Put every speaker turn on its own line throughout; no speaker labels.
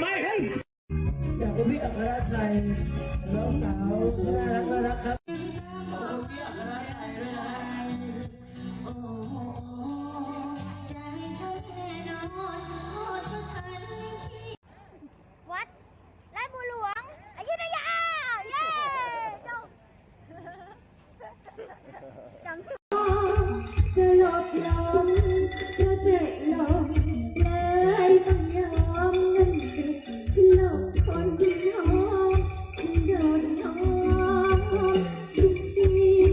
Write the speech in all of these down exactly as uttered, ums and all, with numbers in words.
ไหมอยากเป็นพี่อัครชัยน้องสาวน่ารักน่ารักครับขอบคุณพี่อัครชัยด้วยนะโอ้ใจเขาแน่นอนโทษเพราะฉัน
วัดลาดบัวหลวงอยุธยาเย้จบจำชื่อจะหลบลมจะเจ็บลมเลยต้องยอมนั่นสิฉันหลบคนที่ยอมฉันโดนยอมทุกที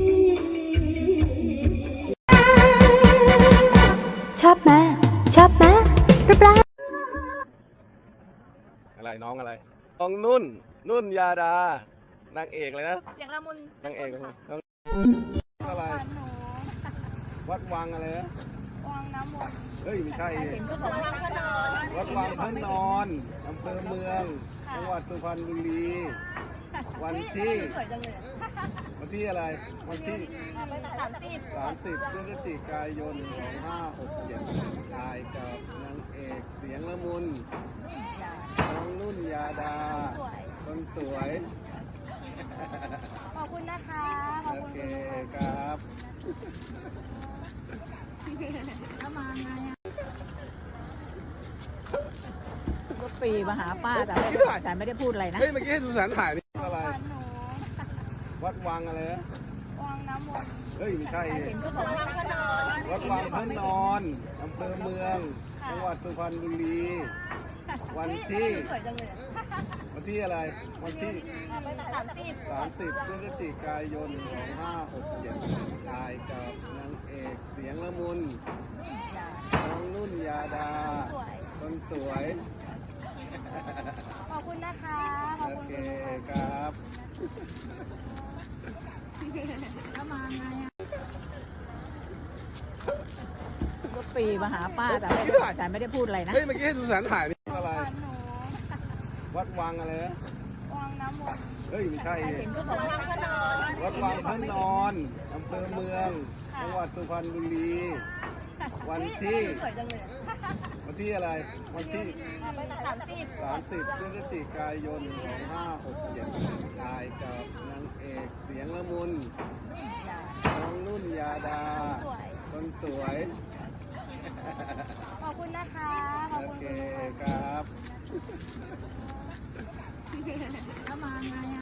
ชอบไหมชอบไหมรูปร่าง
อะไรน้องอะไรน้องนุ่นนุ่นยาดานางเอกเลยนะ
เสียงละมุน
นางเอกน้องอะไรวัดวังอะไรนะ
วังน้ำมนต์
เฮ้ยไม่ใช่
วัดวังพระนอน
วัดวังพระนอนอำเภอเมืองจังหวัดสุพรรณบุรีวันที่วันที่อะไรวันที่
สามสิบ
สามสิบพฤศจิกายนสองห้าหกเจ็ดถ่ายกับนางเอกเสียงละมุนน้องนุ่นยาดาคนสวย
ขอบคุณนะคะขอบ
โอ
คุณ
เคครับ
แล้วมาไงอ่ะ
ก็ปีมาหาป้าแต่แต่ไม่ได้พูดอะไรนะ
เฮ้ยเมื่อกี้สุสานถ่ายนี่อะไรวัดวังอะไรนะ
วังน้ำมนต์
เฮ้ยไม่ใช่
วัดวังพระนอน
วัดวังพระนอนอำเภอเมืองจังหวัดสุพรรณบุรีวันที่วันที่อะไรวันที่
สามสิบ
สามสิบพฤศจิกายนสองห้าหกเจ็ดถ่ายกับนางเอกเสียงละมุนน้องนุ่นยาดาคนสวย
ขอบคุณนะคะขอบ
โอ
คุณ
เคครับ
แล้วมาไงอ่ะ
ก็ปีมาหาป้าแต่แต่ไม่ได้พูดอะไรนะ
เฮ้ยเมื่อกี้สุสานถ่ายนี่อะไรวัดวังอะไรนะ
วังน้ำมนต์
เฮ้ยไม่ใช่
วัดวังพระนอน
วัดวังพระนอนอำเภอเมืองจังหวัดสุพรรณบุรีวันที่วันที่อะไรวันที่
สามสิบ
สามสิบพฤศจิกายนสองห้าหกเจ็ดถ่ายกับนางเอกเสียงละมุนน้องนุ่นยาดาคนสวย
ขอบคุณนะคะขอบ
โอ
คุณ
เคครับ
แล้วมาไงอ่ะ